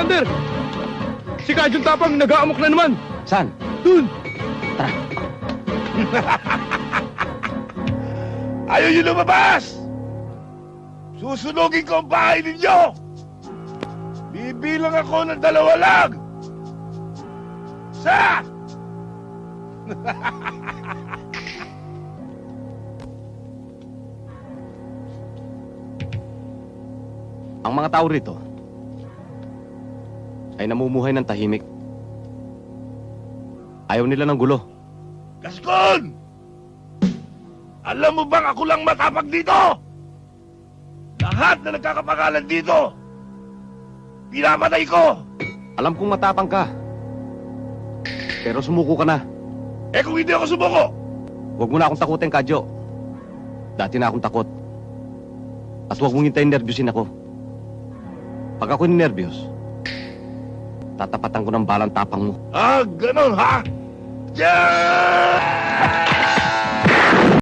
Commander! Si Kajun Tapang nag-aamok na naman! Saan? Dun! Tara. Ayaw nyo lumabas! Susunugin ko ang bahay ninyo! Bibilang ako ng 2 lang! Isa! Ang mga tao rito ay namumuhay ng tahimik. Ayaw nila ng gulo. Gascon! Alam mo bang ako lang matapag dito? Lahat na nagkakapangalan dito, pinapatay ko! Alam kong matapang ka. Pero sumuko ka na. Eh kung hindi ako sumuko, Huwag mo na akong takutin, Kadyo. Dati na akong takot. At huwag mong hintayin nervyusin ako. Pag ako ninervyos, tatapatan ko ng balang tapang mo. ganon ha? Diyan!